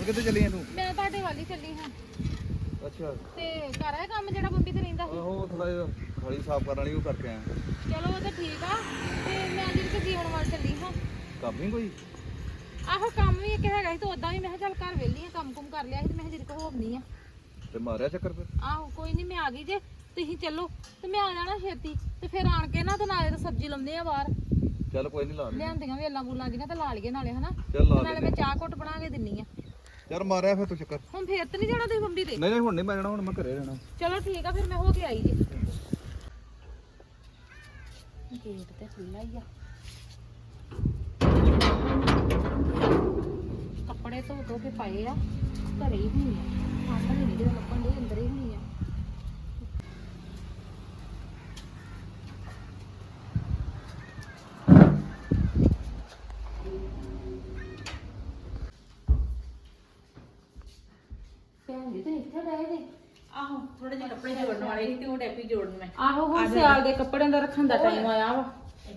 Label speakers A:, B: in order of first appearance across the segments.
A: ਕਿੱਥੇ ਚੱਲੀ ਆਂ ਤੂੰ?
B: ਮੈਂ ਤੁਹਾਡੇ ਵੱਲ ਹੀ ਚੱਲੀ ਹਾਂ।
A: ਅੱਛਾ
B: ਤੇ ਘਰ ਆਇਆ ਕੰਮ ਜਿਹੜਾ ਬੰਬੀ ਤੇ ਰਹਿੰਦਾ ਸੀ।
A: ਆਹੋ ਥੋੜਾ ਜਿਹਾ ਥਾਲੀ ਸਾਫ਼ ਕਰਨ ਵਾਲੀ ਉਹ ਕਰਕੇ ਆਇਆ।
B: ਚਲੋ ਉਹ ਤਾਂ ਠੀਕ ਆ। ਤੇ ਮੈਂ ਜਿਹੜੀ ਜੀਵਨ ਵੱਲ ਚੱਲੀ ਹਾਂ।
A: ਕੰਮ ਨਹੀਂ ਕੋਈ?
B: ਆਹੋ ਕੰਮ ਵੀ ਇੱਕ ਹੈਗਾ ਸੀ ਤੇ ਉਦਾਂ ਵੀ ਮੈਂ ਕਿਹਾ ਚੱਲ ਘਰ ਵਿਹਲੀ ਆ, ਕੰਮ ਕੁਮ ਕਰ ਲਿਆ ਸੀ ਤੇ ਮੈਂ ਜਿਹੜੀ ਕੋ ਹੋਣੀ ਆ।
A: ਤੇ ਮਾਰਿਆ ਚੱਕਰ ਫਿਰ?
B: ਆਹੋ ਕੋਈ ਨਹੀਂ, ਮੈਂ ਆ ਗਈ ਜੇ ਤੁਸੀਂ ਚੱਲੋ ਤੇ ਮੈਂ ਆ ਜਾਣਾ ਛੇਤੀ ਤੇ ਫਿਰ ਆਣ ਕੇ ਨਾ ਤੇ ਨਾਲੇ ਤਾਂ ਸਬਜ਼ੀ ਲਾਉਂਦੇ ਆ ਬਾਹਰ।
A: ਚੱਲ ਕੋਈ ਨਹੀਂ ਲਾ ਦੇ।
B: ਲਿਆਂਦੀਆਂ ਵੇਲਾਂ ਬੂਲਾਂ ਦੀਆਂ ਤੇ ਲਾ ਲਈਏ ਨਾਲੇ ਹਨਾ।
A: ਚੱਲ ਲਾ
B: ਨਾਲੇ
A: ਦੇ।
B: ਮੈਂ ਚਾਹ ਘੁੱਟ ਬਣਾ ਕੇ ਦਿੰਨੀ ਆ।
A: ਚੱਲ ਮਾਰਿਆ ਫਿਰ ਤੂੰ ਚੱਕਰ।
B: ਹੁਣ ਫੇਰ ਤੇ ਨਹੀਂ ਜਾਣਾ ਤੁਸੀਂ ਬੰਬੀ ਤੇ?
A: ਨਹੀਂ ਹੁਣ ਨਹੀਂ ਮੈਂ ਜਾਣਾ, ਹੁਣ ਮੈਂ ਘਰੇ ਰਹਿਣਾ।
B: ਚਲੋ ਠੀਕ ਆ, ਫਿਰ ਮੈਂ ਹੋ ਕੇ ਆਈ ਜੀ। ਗੇਟ ਤੇ ਖੁੱਲਾ ਹੀ ਆ। ਕੱਪੜੇ ਧੋ ਕੇ ਪਾਏ ਆ, ਘਰੇ ਹੀ ਹੋਣੀ ਆ। ਆਪ ਨਹੀਂ ਜਿਹੜੇ ਲੱਭਣ ਦੇ ਅੰਦਰ ਹੀ ਹੋਣੀ ਆ। ਭੈਣ ਜੀ ਤੁਸੀਂ ਇੱਥੇ ਗਏ ਜੀ?
C: ਆਹੋ ਥੋੜੇ ਜਿਹੇ ਕੱਪੜੇ ਜੋੜਨ ਵਾਲੇ ਸੀ ਤੇ ਉਹ ਡੈਪੀ ਜੋੜਨ ਮੈਂ।
B: ਆਹੋ ਹੁਣ ਸਿਆਲ ਦੇ ਕੱਪੜਿਆਂ ਦਾ ਰੱਖਣ ਦਾ ਟਾਈਮ ਆਇਆ ਵਾ।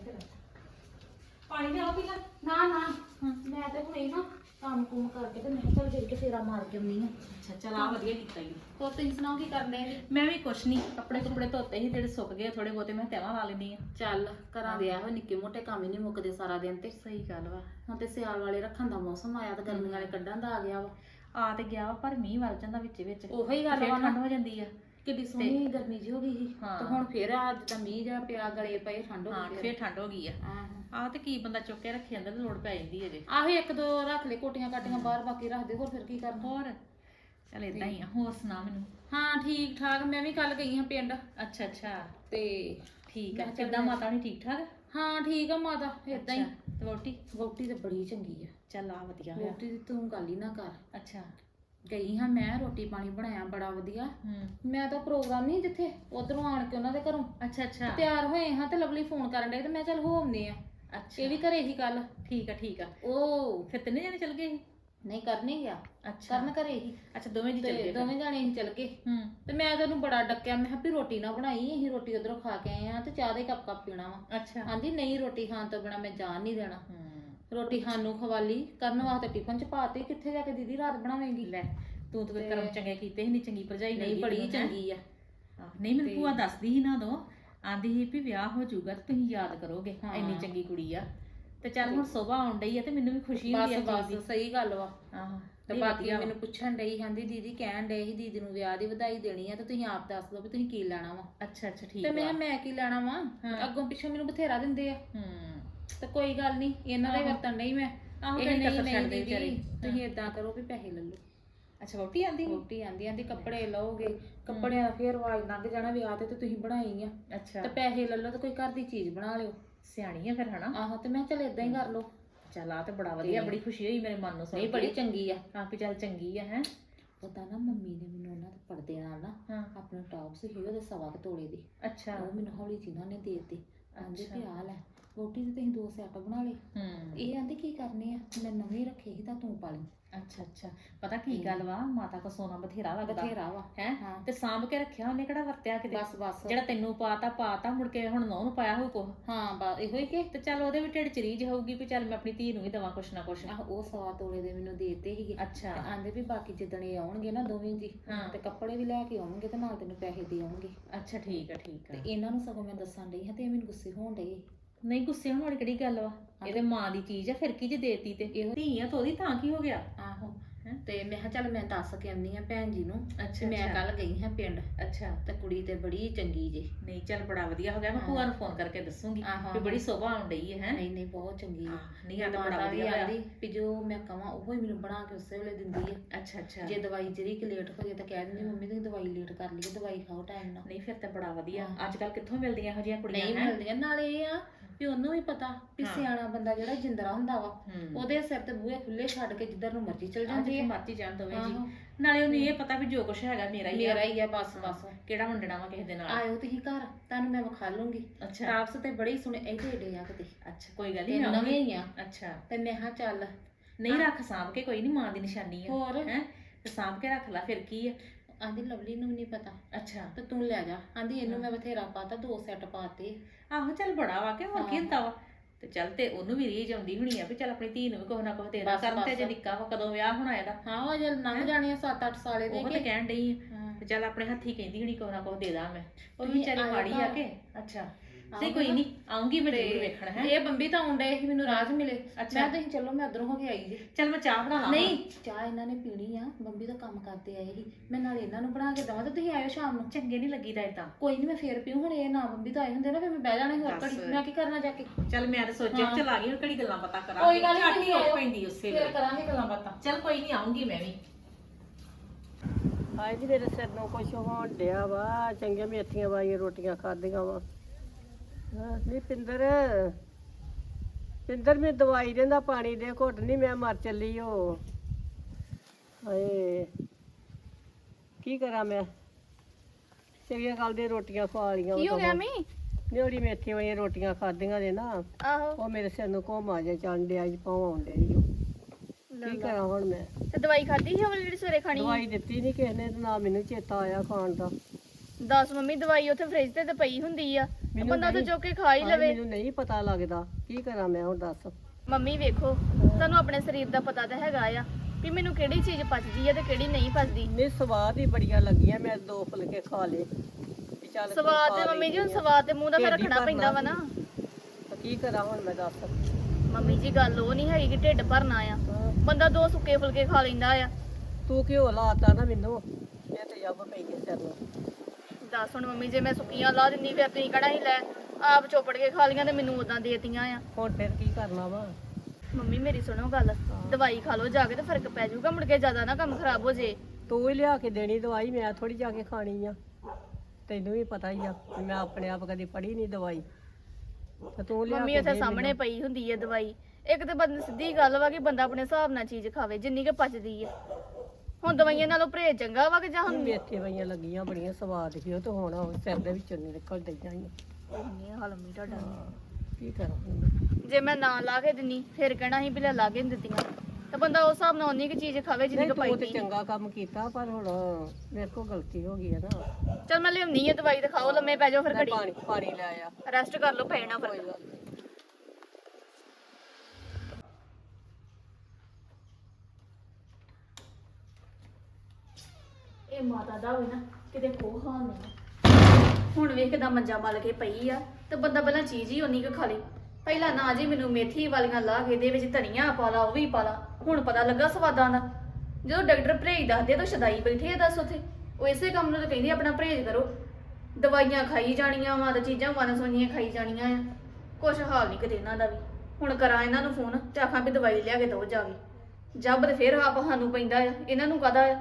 C: ਪਾਣੀ ਲਿਆਓ ਪੀਲਾ।
B: ਨਾ ਨਾ ਮੈਂ ਤੇ ਹੁਣੇ ਨਾ ਕੰਮ ਕੁਮ ਕਰਕੇ ਤੇ ਮੈਂ ਕਿਹਾ ਚੱਲ ਕੇ ਫੇਰਾ ਮਾਰ ਕੇ ਆਉਣੀ ਆ।
C: ਅੱਛਾ ਚਲ ਆ ਵਧੀਆ ਕੀਤਾ ਜੀ।
B: ਹੋਰ ਤੁਸੀਂ ਸੁਣਾਓ ਕੀ ਕਰਦੇ ਆ?
C: ਮੈਂ ਵੀ ਕੁਛ ਨਹੀਂ, ਕੱਪੜੇ ਧੋਤੇ ਸੀ ਜਿਹੜੇ ਸੁੱਕ ਗਏ ਥੋੜੇ ਬਹੁਤੇ, ਮੈਂ ਤੈਵਾਂ ਲਾ ਲੈਣੀ ਆ।
B: ਚੱਲ ਘਰਾਂ ਦੇ ਇਹੋ ਨਿੱਕੇ ਮੋਟੇ ਕੰਮ ਹੀ ਨਹੀਂ ਮੁੱਕਦੇ ਸਾਰਾ ਦਿਨ ਤੇ।
C: ਸਹੀ ਗੱਲ ਵਾ।
B: ਹੁਣ ਤੇ ਸਿਆਲ ਵਾਲੇ ਰੱਖਣ ਦਾ ਮੌਸਮ ਆਇਆ ਤੇ ਗਰਮੀ ਵਾਲੇ ਕੱਢਣ ਦਾ ਆ ਗਿਆ ਵਾ।
C: ਆ ਤੇ ਗਿਆ ਵਾ ਪਰ ਮੀਂਹ ਵੱਲ ਜਾਂਦਾ ਵਿੱਚ
B: ਉਹੀ ਗੱਲ
C: ਫੇਰ
B: ਵਾ ਨਾ,
C: ਠੰਡ ਹੋ ਜਾਂਦੀ ਆ।
B: ਕਿੱਡੀ ਸੋਹਣੀ ਗਰਮੀ ਜੀ ਹੋ ਗਈ ਸੀ
C: ਹਾਂ।
B: ਤੇ ਹੁਣ ਫੇਰ ਅੱਜ ਤਾਂ ਮੀਂਹ ਜਿਹਾ ਪਿਆ, ਗਲੇ ਪਏ, ਠੰਡ ਹੋ
C: ਹਾਂ
B: ਗਈ
C: ਫੇਰ ਠੰਡ ਹੋ ਗਈ ਆ।
B: ਆਹੋ
C: ਆ ਤੇ ਕੀ ਬੰਦਾ ਚੁੱਕ ਕੇ ਰੱਖੀ ਜਾਂਦਾ ਤੇ ਲੋੜ ਪੈ ਜਾਂਦੀ ਅਜੇ।
B: ਆਹੋ ਇੱਕ ਦੋ ਰੱਖ ਲੈ ਕੋਟੀਆਂ ਕਾਟੀਆਂ ਬਾਹਰ, ਬਾਕੀ ਰੱਖ ਦੇ। ਹੋਰ ਫਿਰ ਕੀ ਕਰਨਾ?
C: ਹੋਰ ਚਲ ਇਦਾਂ ਹੀ ਆ। ਹੋਰ ਸੁਣਾ ਮੈਨੂੰ।
B: ਹਾਂ ਠੀਕ ਠਾਕ। ਮੈਂ ਵੀ ਕੱਲ ਗਈ ਹਾਂ ਪਿੰਡ
C: ਅੱਛਾ ਅੱਛਾ
B: ਤੇ
C: ਠੀਕ ਆ। ਕਿੱਦਾਂ ਮਾਤਾ ਨਹੀਂ ਠੀਕ ਠਾਕ?
B: ਹਾਂ ਠੀਕ ਆ ਮਾਤਾ, ਏਦਾਂ ਹੀ।
C: ਤੇ ਵੋਟੀ?
B: ਵਹੁਟੀ ਤੇ ਬੜੀ ਚੰਗੀ ਆ।
C: ਚੱਲ ਆ ਵਧੀਆ ਹੋਇਆ।
B: ਵਹੁਟੀ ਦੀ ਤੂੰ ਗੱਲ ਹੀ ਨਾ ਕਰ।
C: ਅੱਛਾ
B: ਗਈ ਹਾਂ ਮੈਂ, ਰੋਟੀ ਪਾਣੀ ਬਣਾਇਆ ਬੜਾ ਵਧੀਆ।
C: ਹੂੰ
B: ਮੈਂ ਤਾਂ ਪ੍ਰੋਗਰਾਮ ਨਹੀਂ ਜਿੱਥੇ ਉਧਰੋਂ ਆਣ ਕੇ ਉਹਨਾਂ ਦੇ ਘਰੋਂ
C: ਅੱਛਾ ਅੱਛਾ
B: ਤਿਆਰ ਹੋਏ ਹਾਂ ਤੇ ਲਵਲੀ ਫੋਨ ਕਰਨ ਡਏ ਤੇ ਮੈਂ ਚੱਲ ਹੋ ਆਉਂਦੇ ਆ।
C: ਅੱਛਾ
B: ਇਹ ਵੀ ਘਰੇ ਹੀ ਕੱਲ।
C: ਠੀਕ ਆ ਠੀਕ ਆ।
B: ਉਹ
C: ਫਿਰ ਤਿੰਨੇ ਜਣੇ ਚਲ ਗਏ ਸੀ?
B: ਨਹੀਂ ਕਰਨੇ ਗਿਆ,
C: ਅੱਛਾ
B: ਕਰਨ ਘਰੇ ਹੀ।
C: ਅੱਛਾ ਦੋਵੇਂ ਜੀ ਚਲ
B: ਤੇ
C: ਗਏ
B: ਦੋਵੇਂ ਜਾਣੇ ਹੀ ਚੱਲ ਗਏ
C: ਹੂੰ
B: ਤੇ ਮੈਂ ਤੈਨੂੰ ਬੜਾ ਡੱਕਿਆ। ਮੈਂ ਕਿਹਾ ਵੀ ਰੋਟੀ ਨਾ ਬਣਾਈ, ਅਸੀਂ ਰੋਟੀ ਉਧਰੋਂ ਖਾ ਕੇ ਆਏ ਆ ਤੇ ਚਾਹ ਦੇ ਕੱਪ ਪੀਣਾ ਵਾ।
C: ਅੱਛਾ
B: ਆਂਦੀ ਨਹੀਂ ਰੋਟੀ ਖਾਣ ਤੋਂ ਬਿਨਾ ਮੈਂ ਜਾਣ ਨਹੀਂ ਦੇਣਾ।
C: ਹੂੰ
B: ਰੋਟੀ ਸਾਨੂੰ ਖਵਾਲੀ, ਕਰਨ ਵਾਸਤੇ ਟਿਫਨ ਚ ਪਾਤੀ। ਕਿੱਥੇ ਜਾ ਕੇ ਦੀਦੀ ਰਾਤ ਬਣਾਵੇਂਗੀ?
C: ਲੈ ਤੂੰ ਤਾਂ ਕੋਈ ਕਰਮ ਚੰਗੇ ਕੀਤੇ ਸੀ। ਨਹੀਂ ਚੰਗੀ ਭਰਜਾਈ
B: ਨਹੀਂ
C: ਮਿਲ ਗਈ
B: ਬੜੀ
C: ਤੈਨੂੰ, ਹੈਂ?
B: ਚੰਗੀ ਆ।
C: ਨਹੀਂ ਮੈਨੂੰ ਭੂਆ ਦੱਸਦੀ ਸੀ ਨਾ ਦੋ, ਆਂਦੀ ਸੀ ਵੀ ਵਿਆਹ ਹੋ ਜਾਊਗਾ ਤੇ ਤੁਸੀਂ ਯਾਦ ਕਰੋਗੇ
B: ਹਾਂ।
C: ਇੰਨੀ ਚੰਗੀ ਕੁੜੀ ਆ। ਤੇ ਚੱਲ ਹੁਣ ਸੋਭਾ ਆਉਣ ਡਈ ਆ ਤੇ ਮੈਨੂੰ ਵੀ ਖੁਸ਼ੀ ਹੁੰਦੀ ਆ
B: ਬਸ ਬਸ ਸਹੀ ਗੱਲ ਵਾ।
C: ਆਹੋ
B: ਤੇ ਬਾਕੀ ਮੈਨੂੰ ਪੁੱਛਣ ਡਈ, ਕਹਿੰਦੀ ਦੀਦੀ ਕਹਿਣ ਡਏ ਸੀ ਦੀਦੀ ਨੂੰ ਵਿਆਹ ਦੀ ਵਧਾਈ ਦੇਣੀ ਆ ਤੇ ਤੁਸੀਂ ਆਪ ਦੱਸ ਦਿਓ ਵੀ ਤੁਸੀਂ ਕੀ ਲੈਣਾ ਵਾ।
C: ਅੱਛਾ ਅੱਛਾ ਠੀਕ
B: ਤੇ
C: ਆ।
B: ਮੈਂ ਕੀ ਲੈਣਾ ਵਾ? ਅੱਗੋਂ ਪਿੱਛੋਂ ਮੈਨੂੰ ਬਥੇਰਾ ਦਿੰਦੇ ਆ।
C: ਹੂੰ
B: ਤੇ ਕੋਈ ਗੱਲ ਨਹੀਂ, ਇਹਨਾਂ ਦਾ ਹੀ ਵਰਤਨ ਨਹੀਂ ਮੈਂ।
C: ਆਹੋ
B: ਇਹ
C: ਕਿਹੜੀ
B: ਨਹੀਂ
C: ਕਸਰ
B: ਨਹੀਂ
C: ਛੱਡਦੇ
B: ਦੀਦੀ
C: ਵਿਚਾਰੇ।
B: ਤੁਸੀਂ ਏਦਾਂ ਕਰੋ ਵੀ ਪੈਸੇ ਲੈ ਲਓ।
C: ਅੱਛਾ ਵੋਟੀ ਆਂਦੀ ਸੀ?
B: ਰੋਟੀ ਆਂਦੀ ਕੱਪੜੇ ਲਓਗੇ, ਕੱਪੜਿਆਂ ਦਾ ਫੇਰ ਵਾਜ ਲੰਘ ਜਾਣਾ ਵਿਆਹ ਤੇ ਤੁਸੀਂ ਬਣਾਈ ਆ।
C: ਅੱਛਾ
B: ਤੇ ਪੈਸੇ ਲੈ ਲਓ ਤੇ ਕੋਈ ਘਰ ਦੀ ਚੀਜ਼ ਬਣਾ ਲਿਓ।
C: ਸਿਆਣੀ ਆ ਫਿਰ ਹਨਾ।
B: ਆਹੋ ਤੇ ਮੈਂ ਚੱਲ ਏਦਾਂ ਹੀ ਕਰ ਲਓ।
C: ਚੱਲ ਆ ਤੇ ਬੜਾ ਵਧੀਆ, ਬੜੀ ਖੁਸ਼ੀ ਹੋਈ ਮੇਰੇ ਮਨ ਨੂੰ ਸੁਣ
B: ਨਹੀਂ
C: ਕੇ।
B: ਬੜੀ ਚੰਗੀ ਆ।
C: ਹਾਂ ਵੀ ਚੱਲ ਚੰਗੀ ਆ ਹੈ।
B: ਪਤਾ ਨਾ ਮੰਮੀ ਨੇ ਮੈਨੂੰ ਉਹਨਾਂ ਦੇ ਪਰਦੇ ਨਾਲ ਨਾ
C: ਹਾਂ
B: ਆਪਣਾ ਟੌਪ ਸੀ ਉਹਦੇ 1.25 ਤੋਲੇ ਦੇ,
C: ਅੱਛਾ
B: ਉਹ ਮੈਨੂੰ ਹੌਲੀ ਜੀ ਉਹਨਾਂ ਨੇ ਦੇ ਦਿੱਤੇ। ਆਂਦੇ
C: ਅੱਛਾ।
B: ਵੀ ਆ ਲੈ ਰੋਟੀ ਤੇ ਤੁਸੀਂ 2 ਸੈੱਟ ਬਣਾ ਲਏ।
C: ਹੂੰ
B: ਇਹ ਆਂਦੇ ਕੀ ਕਰਨੇ ਆ, ਮੈਂ ਨਵੇਂ ਰੱਖੇ ਸੀ ਤਾਂ ਤੂੰ ਪਾ ਲਈ।
C: ਅੱਛਾ ਅੱਛਾ ਪਤਾ ਕੀ ਗੱਲ ਵਾ, ਮਾਤਾ ਕੋ ਸੋਨਾ ਬਥੇਰਾ ਲੱਗਦਾ
B: ਬਥੇਰਾ ਵਾ
C: ਹੈ
B: ਹਾਂ।
C: ਤੇ ਸਾਂਭ ਕੇ ਰੱਖਿਆ ਉਹਨੇ, ਕਿਹੜਾ ਵਰਤਿਆ ਕਿਤੇ।
B: ਬਸ ਬਸ
C: ਜਿਹੜਾ ਤੈਨੂੰ ਪਾਤਾ ਮੁੜ ਕੇ ਹੁਣ ਨੌ ਨੂੰ ਪਾਇਆ ਹੋਊ ਕੁਛ।
B: ਹਾਂ ਬਸ ਇਹੋ ਹੀ ਕਿ
C: ਤੇ ਚੱਲ ਉਹਦੇ ਵੀ ਢਿੱਡ ਚ ਰੀਝ ਹੋਊਗੀ ਵੀ ਚੱਲ ਮੈਂ ਆਪਣੀ ਧੀ ਨੂੰ ਵੀ ਦੇਵਾਂ ਕੁਛ ਨਾ ਕੁਛ।
B: ਆਹ ਉਹ 1.25 ਤੋਲੇ ਦੇ ਮੈਨੂੰ ਦੇ ਦਿੱਤੇ ਸੀਗੇ।
C: ਅੱਛਾ
B: ਤੇ ਆਂਦੇ ਵੀ ਬਾਕੀ ਜਿੱਦਣ ਇਹ ਆਉਣਗੇ ਨਾ ਦੋਵੇਂ ਜੀ
C: ਹਾਂ।
B: ਤੇ ਕੱਪੜੇ ਵੀ ਲੈ ਕੇ ਆਉਣਗੇ ਤੇ ਨਾਲ ਤੈਨੂੰ ਪੈਸੇ ਦੇ ਆਉਣਗੇ।
C: ਅੱਛਾ ਠੀਕ ਆ ਠੀਕ
B: ਤੇ
C: ਆ।
B: ਇਹਨਾਂ ਨੂੰ ਸਗੋਂ ਮੈਂ ਦੱਸਣ ਡਈ ਹਾਂ ਤੇ ਇਹ ਮੈਨੂੰ ਗੁੱਸੇ ਹੋਣ ਡਏ।
C: ਨਹੀਂ ਗੁੱਸੇ ਹੋਣ ਵਾਲੀ ਕਿਹੜੀ ਗੱਲ ਵਾ, ਇਹਦੇ ਮਾਂ ਦੀ ਚੀਜ਼ ਆ, ਫਿਰ ਕੀ ਜੇ ਦੇਤੀ ਤੇ
B: ਇਹੋ
C: ਧੀ ਆ ਤਾਂ ਉਹਦੀ ਤਾਂ ਕੀ ਹੋ ਗਿਆ।
B: ਆਹੋ
C: ਹੈਂ?
B: ਤੇ ਮੈਂ ਕਿਹਾ ਚੱਲ ਮੈਂ ਦੱਸ ਕੇ ਆਉਂਦੀ ਆ ਭੈਣ ਜੀ ਨੂੰ।
C: ਅੱਛਾ
B: ਮੈਂ ਕੱਲ ਗਈ ਹਾਂ ਪਿੰਡ
C: ਅੱਛਾ
B: ਤੇ ਕੁੜੀ ਤੇ ਬੜੀ ਚੰਗੀ ਜੇ।
C: ਨਹੀਂ ਚੱਲ ਬੜਾ ਵਧੀਆ ਹੋ ਗਿਆ, ਮੈਂ ਭੂਆ ਨੂੰ ਫੋਨ ਕਰਕੇ ਦੱਸੂਗੀ
B: ਆਹੋ,
C: ਵੀ ਬੜੀ ਸੋਭਾ ਆਉਣ ਡਈ ਹੈ।
B: ਨਹੀਂ ਨਹੀਂ ਬਹੁਤ ਚੰਗੀ ਆ।
C: ਨਹੀਂ ਆ ਤਾਂ ਬੜਾ
B: ਮਾਤਾ ਵੀ
C: ਵਧੀਆ ਹੋਇਆ।
B: ਆਂਦੀ ਵੀ ਜੋ ਮੈਂ ਕਵਾਂ ਉਹ ਹੀ ਮੈਨੂੰ ਬਣਾ ਕੇ ਉਸੇ ਵੇਲੇ ਦਿੰਦੀ ਆ।
C: ਅੱਛਾ ਅੱਛਾ
B: ਜੇ ਦਵਾਈ ਜਿਹੜੀ ਕਿ ਲੇਟ ਹੋ ਜਾਏ ਤਾਂ ਕਹਿ ਦਿੰਦੀ ਮੰਮੀ ਤੁਸੀਂ ਦਵਾਈ ਲੇਟ ਕਰ ਲਈ, ਦਵਾਈ ਖਾਓ ਟਾਈਮ ਨਾਲ।
C: ਨਹੀਂ ਫਿਰ ਤਾਂ ਬੜਾ ਵਧੀਆ।
B: ਹਾਂ।
C: ਅੱਜ ਕੱਲ ਕਿੱਥੋਂ ਮਿਲਦੀਆਂ ਇਹੋ ਜਿਹੀਆਂ ਕੁੜੀਆਂ
B: ਨਹੀਂ
C: ਹੈਂ?
B: ਮਿਲਦੀਆਂ, ਨਾਲੇ ਇਹ ਆ ਵੀ ਉਹਨੂੰ ਵੀ ਪਤਾ ਵੀ
C: ਹਾਂ।
B: ਸਿਆਣਾ ਬੰਦਾ ਜਿਹੜਾ ਜਿੰਦਰਾ ਹੁੰਦਾ ਵਾ
C: ਹੂੰ।
B: ਉਹਦੇ ਸਿਰ ਤੇ ਬੂਹੇ ਖੁੱਲੇ ਛੱਡ ਕੇ ਜਿੱਧਰ ਨੂੰ ਮਰਜ਼ੀ ਚਲ ਜਾਂਦੀ
C: ਜਿੱਥੇ
B: ਆ।
C: ਮਰਜ਼ੀ ਜਾਣ ਦੋਵੇਂ ਜੀ।
B: ਆਹੋ।
C: ਨਾਲੇ ਉਹਨੂੰ ਇਹ ਪਤਾ ਵੀ ਜੋ ਕੁਛ ਹੈਗਾ ਮੇਰਾ ਹੀ ਆ।
B: ਮੇਰਾ ਹੀ ਆ ਬਸ ਬਸ।
C: ਕਿਹੜਾ ਵੰਡਣਾ ਵਾ ਕਿਸੇ ਦੇ ਨਾਲ।
B: ਆਇਓ ਤੁਸੀਂ ਘਰ, ਤੁਹਾਨੂੰ ਮੈਂ ਵਿਖਾ ਲੂੰਗੀ।
C: ਅੱਛਾ
B: ਟਾਪਸ ਤੇ ਬੜੇ ਹੀ ਸੋਹਣੇ ਇਹਦੇ ਏਡੇ ਆ ਕਿਤੇ,
C: ਅੱਛਾ ਕੋਈ ਗੱਲ
B: ਤੇ
C: ਨਹੀਂ
B: ਨਵੇਂ ਹੀ ਆ।
C: ਅੱਛਾ
B: ਤੇ ਮੈਂ ਕਿਹਾ ਚੱਲ
C: ਨਹੀਂ ਰੱਖ ਸਾਂਭ ਕੇ, ਕੋਈ ਨਹੀਂ ਮਾਂ ਦੀ ਨਿਸ਼ਾਨੀ ਆ
B: ਹੋਰ
C: ਹੈ ਤੇ ਸਾਂਭ ਕੇ ਰੱਖ ਲੈ ਫਿਰ ਕੀ ਆ।
B: ਆਂਦੀ ਲਵਲੀ ਨੂੰ ਵੀ ਨਹੀਂ ਪਤਾ
C: ਅੱਛਾ
B: ਤੇ ਤੂੰ ਲੈ ਜਾ। ਆਂਦੀ ਇਹਨੂੰ ਮੈਂ ਬਥੇਰਾ ਪਾਤਾ 2 ਸੈੱਟ ਪਾਤੇ।
C: ਆਹੋ ਚੱਲ ਬੜਾ ਵਾ ਕਿ ਹੋਰ ਕੀ ਹੁੰਦਾ ਵਾ। ਤੇ ਚੱਲ ਤੇ ਉਹਨੂੰ ਵੀ ਰੀਝ ਆਉਂਦੀ ਹੋਣੀ ਆ ਵੀ ਚੱਲ ਆਪਣੀ ਧੀ ਨੂੰ ਵੀ ਕੁਛ ਨਾ ਕੁਛ ਦੇਣਾ
B: ਬਸ,
C: ਕਰਨ ਤੇ
B: ਬਸ।
C: ਜੇ ਨਿੱਕਾ ਵਾ ਕਦੋਂ ਵਿਆਹ ਹੋਣਾ ਇਹਦਾ
B: ਹਾਂ ਉਹ ਜਦ ਲੰਘ ਜਾਣੀ ਆ 7-8 ਸਾਲੇ ਦੇ
C: ਉਹ ਤੇ ਕਹਿਣ ਡਈ ਆ ਤੇ ਚੱਲ ਆਪਣੇ ਹੱਥੀ ਕਹਿੰਦੀ ਹੋਣੀ ਕੁਛ ਨਾ ਕੁਛ ਦੇ ਦਾਂ ਮੈਂ ਉਹ ਵੀ ਵਿਚਾਰੀ ਮਾੜੀ ਆ ਕੇ
B: ਅੱਛਾ
C: ਨਹੀਂ ਕੋਈ ਨਹੀਂ ਆਉਂਗੀ ਮੈਂ ਜ਼ਰੂਰ ਵੇਖਣ ਹੈ
B: ਇਹ ਬੰਬੀ ਤਾਂ ਆਉਂਦੇ ਸੀ ਮੈਨੂੰ ਰਾਜ ਮਿਲੇ
C: ਅੱਛਾ।
B: ਮੈਂ ਤੁਸੀਂ ਚਲੋ ਮੈਂ ਉਧਰੋਂ ਹੋ ਕੇ ਆਈ ਜੀ
C: ਚੱਲ ਮੈਂ ਚਾਹ ਬਣਾ ਲਾਂ
B: ਨਹੀਂ ਚਾਹ ਇਹਨਾਂ ਨੇ ਪੀਣੀ ਆ ਬੰਬੀ ਦਾ ਕੰਮ ਕਰਦੇ ਆਏ ਸੀ ਮੈਂ ਨਾਲ ਇਹਨਾਂ ਨੂੰ ਬਣਾ ਕੇ ਦਵਾਂ ਤੇ ਤੁਸੀਂ ਆਇਓ ਸ਼ਾਮ ਨੂੰ
C: ਚੰਗੇ ਨਹੀਂ ਲੱਗੀਦਾ ਏਦਾਂ
B: ਕੋਈ ਨਹੀਂ ਮੈਂ ਫੇਰ ਪੀਉ ਹੁਣ ਇਹ ਨਾ ਬੰਬੀ ਤਾਂ ਆਏ ਹੁੰਦੇ ਨਾ ਫਿਰ ਮੈਂ ਬਹਿ ਜਾਣਾ ਸੀ ਹੋਰ ਘੜੀ ਮੈਂ ਕੀ ਕਰਨਾ ਜਾ ਕੇ
C: ਚੱਲ ਮੈਂ ਤਾਂ ਸੋਚਿਆ ਚੱਲ ਆ ਗਈ ਹੁਣ ਕਿਹੜੀ ਗੱਲਾਂ ਪਤਾ ਕਰਾਂਗੇ
B: ਕੋਈ ਗੱਲ ਨੀ,
C: ਝੱਟ
B: ਤੁਸੀਂ
C: ਹੋ
B: ਆਇਓ।
C: ਪੈਂਦੀ ਉਸੇ
B: ਫੇਰ
C: ਵੇਲੇ
B: ਕਰਾਂਗੇ ਗੱਲਾਂ ਬਾਤਾਂ
C: ਚੱਲ ਕੋਈ ਨਹੀਂ ਆਉਂਗੀ ਮੈਂ ਵੀ
D: ਹਾਏ ਜੀ ਮੇਰੇ ਸਿਰ ਨੂੰ ਕੁਛ ਹੋਣ ਡਿਆ ਵਾ ਚੰਗੀਆਂ ਮੇਥੀਆਂ ਵਾਲੀਆਂ ਰੋਟੀਆਂ ਖਾਧੀਆਂ ਵਾ ਨਹੀਂ ਪਿੰਦਰ ਮੈਂ ਦਵਾਈ ਦੇਂਦਾ ਪਾਣੀ ਦੇ ਘੁੱਟ ਨਹੀਂ ਮੈਂ ਮਰ ਚੱਲੀ ਓ ਹਾਏ ਕੀ ਕਰਾਂ ਮੈਂ ਚੰਗੀਆਂ ਕੱਲ ਦੀਆਂ ਰੋਟੀਆਂ ਖਾ ਲੀਆਂ ਕੀ ਹੋ ਗਿਆ ਮੈਂ ਨਿਉੜੀ ਮੇਥੀ ਵਾਲੀਆਂ ਰੋਟੀਆਂ ਖਾਧੀਆਂ ਦੇ ਨਾ
E: ਆਹੋ
D: ਉਹ ਮੇਰੇ ਸਿਰ ਨੂੰ ਘੁੰਮਾ ਜਾ ਚੰਨ ਡਿਆ ਜੀ ਪਾਉਣ ਡਈ ਓ ਕੀ ਕਰਾਂ ਹੁਣ ਮੈਂ
E: ਤੇ ਦਵਾਈ ਖਾਧੀ ਸੀ ਉਹ ਵਾਲੀ ਜਿਹੜੀ ਸਵੇਰੇ ਖਾਣੀ
D: ਦਵਾਈ ਦਿੱਤੀ ਨਹੀਂ ਕਿਸੇ ਨੇ ਤੇ ਨਾ ਮੈਨੂੰ ਚੇਤਾ ਆਇਆ ਖਾਣ ਦਾ
E: ਦੱਸ ਮੰਮੀ ਦਵਾਈ ਉੱਥੇ ਫ੍ਰਿਜ ਤੇ ਪਈ ਹੁੰਦੀ ਆ ਤੇ
D: ਮੈਨੂੰ
E: ਬੰਦਾ ਤਾਂ
D: ਨਹੀਂ-
E: ਚੁੱਕ ਕੇ ਖਾ ਹੀ
D: ਹਾਏ,
E: ਲਵੇ
D: ਮੈਨੂੰ ਨਹੀਂ ਪਤਾ ਲੱਗਦਾ ਕੀ ਕਰਾਂ ਮੈਂ ਹੁਣ ਦੱਸ
E: ਮੰਮੀ ਵੇਖੋ ਤੁਹਾਨੂੰ ਆਪਣੇ ਸਰੀਰ ਦਾ ਪਤਾ ਤਾਂ ਹੈਗਾ ਆ ਵੀ ਮੈਨੂੰ ਕਿਹੜੀ ਚੀਜ਼ ਪਚਦੀ ਆ ਤੇ ਕਿਹੜੀ ਨਹੀਂ ਪਚਦੀ
D: ਨਹੀਂ ਸਵਾਦ ਹੀ ਬੜੀਆਂ ਲੱਗੀਆਂ ਮੈਂ 2 ਫੁਲਕੇ ਖਾ ਲਏ ਵੀ ਚੱਲ
E: ਸਵਾਦ
D: ਖਾ
E: ਤੇ ਮੰਮੀ ਜੀ ਹੁਣ
D: ਲੈਂਦੀ ਆ।
E: ਸਵਾਦ ਤੇ ਮੂੰਹ ਦਾ ਫਿਰ
D: ਢਿੱਡ ਹੀ
E: ਰੱਖਣਾ ਪੈਂਦਾ ਵਾ
D: ਭਰਨਾ
E: ਨਾ
D: ਤਾਂ ਕੀ ਕਰਾਂ ਹੁਣ ਮੈਂ ਦੱਸ
E: ਮੰਮੀ ਜੀ ਗੱਲ ਉਹ ਨਹੀਂ ਹੈਗੀ ਕਿ ਢਿੱਡ ਭਰਨਾ ਆ
D: ਹਾਂ,
E: ਬੰਦਾ 2 ਸੁੱਕੇ ਫੁਲਕੇ ਖਾ ਲੈਂਦਾ ਆ
D: ਤੂੰ ਘਿਓ ਲਾਤਾ ਨਾ ਮੈਨੂੰ ਇਹ ਤੇ ਜੱਬ ਪਈ ਗਈ ਸਿਰ ਨੂੰ
E: ਦੱਸ ਹੁਣ ਮੰਮੀ ਜੇ ਮੈਂ ਸੁੱਕੀਆਂ ਲਾ ਦਿੰਦੀ ਫਿਰ ਤੁਸੀਂ ਕਹਣਾ ਹੀ ਲੈ ਆਪ ਚੋਪੜ ਕੇ ਖਾ ਲੀਆਂ ਤੇ ਮੈਨੂੰ ਉਦਾਂ ਦੇਤੀਆਂ ਆ
D: ਹੁਣ ਫਿਰ ਕੀ ਕਰਨਾ ਵਾ
E: ਮੰਮੀ ਮੇਰੀ ਸੁਣੋ ਗੱਲ ਦਵਾਈ ਖਾ ਲਓ ਜਾ ਕੇ ਤੇ ਫਰਕ ਪੈ ਜਾਊਗਾ ਮੁੜ ਕੇ ਜ਼ਿਆਦਾ ਨਾ ਕੰਮ ਖਰਾਬ ਹੋ ਜੇ
D: ਤੂੰ ਹੀ ਲਿਆ ਕੇ ਦੇਣੀ ਦਵਾਈ ਮੈਂ ਥੋੜੀ ਜਾ ਕੇ ਖਾਣੀ ਆ ਤੈਨੂੰ ਵੀ ਪਤਾ ਹੀ ਆ ਵੀ ਮੈਂ ਆਪਣੇ ਆਪ ਕਦੀ ਪੜੀ ਨਹੀਂ ਦਵਾਈ ਤੇ ਤੂੰ ਲਿਆ
E: ਮੰਮੀ
D: ਕੇ
E: ਉੱਥੇ
D: ਦੇ
E: ਸਾਹਮਣੇ
D: ਮੈਨੂੰ।
E: ਪਈ ਹੁੰਦੀ ਹੈ ਦਵਾਈ ਇੱਕ ਤੇ ਬੰਦੇ ਸਿੱਧੀ ਗੱਲ ਵਾ ਕਿ ਬੰਦਾ ਆਪਣੇ ਹਿਸਾਬ ਨਾਲ ਚੀਜ਼ ਖਾਵੇ ਜਿੰਨੀ ਕਿ ਪਚਦੀ ਹੈ ਹੁਣ ਦਵਾਈਆਂ ਨਾਲੋਂ ਪਰਹੇਜ਼ ਚੰਗਾ ਵਾ ਕਿ ਜਾਂ ਹੁਣ
D: ਮੇਥੇ ਵਈਆਂ ਲੱਗੀਆਂ ਬੜੀਆਂ ਸਵਾਦ ਸੀ ਉਹ ਤੇ ਹੁਣ ਉਹ ਸਿਰ ਦੇ ਵਿੱਚੋਂ ਨਹੀਂ ਨਿਕਲ ਡਈਆਂ ਈ।
E: ਨਹੀਂ ਹਾਲ ਮੰਮੀ ਤੁਹਾਡਾ
D: ਕੀ ਕਰਾਂ ਹੁਣ ਮੈਂ?
E: ਜੇ ਮੈਂ ਨਾ ਲਾ ਕੇ ਦਿੰਨੀ ਫਿਰ ਕਹਿਣਾ ਸੀ ਵੀ ਲੈ ਲਾ ਕੇ ਨੀ ਦਿੱਤੀਆਂ ਤੇ ਬੰਦਾ ਉਸ ਹਿਸਾਬ ਨਾਲ ਉਨੀ ਕਿ ਚੀਜ਼ ਖਾਵੇ ਜਿੰਨੀ
D: ਨਹੀਂ
E: ਕਿ
D: ਤੂੰ ਤੇ
E: ਪਾਈਦੀ
D: ਚੰਗਾ ਕੰਮ ਕੀਤਾ ਪਰ ਹੁਣ ਮੇਰੇ ਕੋਲ ਗਲਤੀ ਹੋ ਗਈ ਹੈ ਨਾ
E: ਚਲ ਮੈਂ ਲਿਆਉਣੀ ਹੈ ਦਵਾਈ ਤੇ ਖਾਓ ਲੰਮੇ ਪੈ ਜਾਓ ਫਿਰ
D: ਮੈਂ
E: ਘੜੀ
D: ਪਾਣੀ ਲੈ ਆ
E: ਰੈਸਟ ਕਰ ਲਓ ਪੈਣਾ ਫਿਰ
D: ਕੋਈ ਗੱਲ ਨੀ।
E: ਇਹ ਮਾਤਾ ਦਾ ਹੋਵੇ ਨਾ ਕਿਤੇ ਖੋਹ ਹਾਲ ਨਹੀਂ ਹੁਣ ਵੇਖ ਕਿਦਾਂ ਮੰਜਾ ਮਲ ਕੇ ਪਈ ਆ ਤੇ ਬੰਦਾ ਪਹਿਲਾਂ ਚੀਜ਼ ਹੀ ਉਨੀ ਕੁ ਖਾ ਲੇ ਪਹਿਲਾਂ ਨਾ ਜੀ ਮੈਨੂੰ ਮੇਥੀ ਵਾਲੀਆਂ ਲਾ ਕੇ ਦੇ ਵਿੱਚ ਧਨੀਆ ਪਾ ਲਾ ਉਹ ਵੀ ਪਾ ਲਾ ਹੁਣ ਪਤਾ ਲੱਗਾ ਸਵਾਦਾਂ ਦਾ ਜਦੋਂ ਡਾਕਟਰ ਪਰਹੇਜ ਦੱਸਦੇ ਤਾਂ ਸ਼ਦਾਈ ਬੈਠੇ ਆ ਦੱਸ ਉੱਥੇ ਉਹ ਇਸੇ ਕੰਮ ਨੂੰ ਤਾਂ ਕਹਿੰਦੇ ਆਪਣਾ ਪਰਹੇਜ ਕਰੋ ਦਵਾਈਆਂ ਖਾਈ ਜਾਣੀਆਂ ਵਾ ਤੇ ਚੀਜ਼ਾਂ ਵਨ ਸੋਨੀਆਂ ਖਾਈ ਜਾਣੀਆਂ ਆ ਕੁਛ ਹਾਲ ਨਹੀਂ ਕਿਤੇ ਇਹਨਾਂ ਦਾ ਵੀ ਹੁਣ ਕਰਾਂ ਇਹਨਾਂ ਨੂੰ ਫੋਨ ਤੇ ਆਖਾਂ ਵੀ ਦਵਾਈ ਲਿਆ ਕੇ ਦਿਓ ਜਾ ਕੇ ਜੱਬ ਤੇ ਫੇਰ ਆਪ ਸਾਨੂੰ ਪੈਂਦਾ ਆ ਇਹਨਾਂ ਨੂੰ ਕਾਹਦਾ ਆ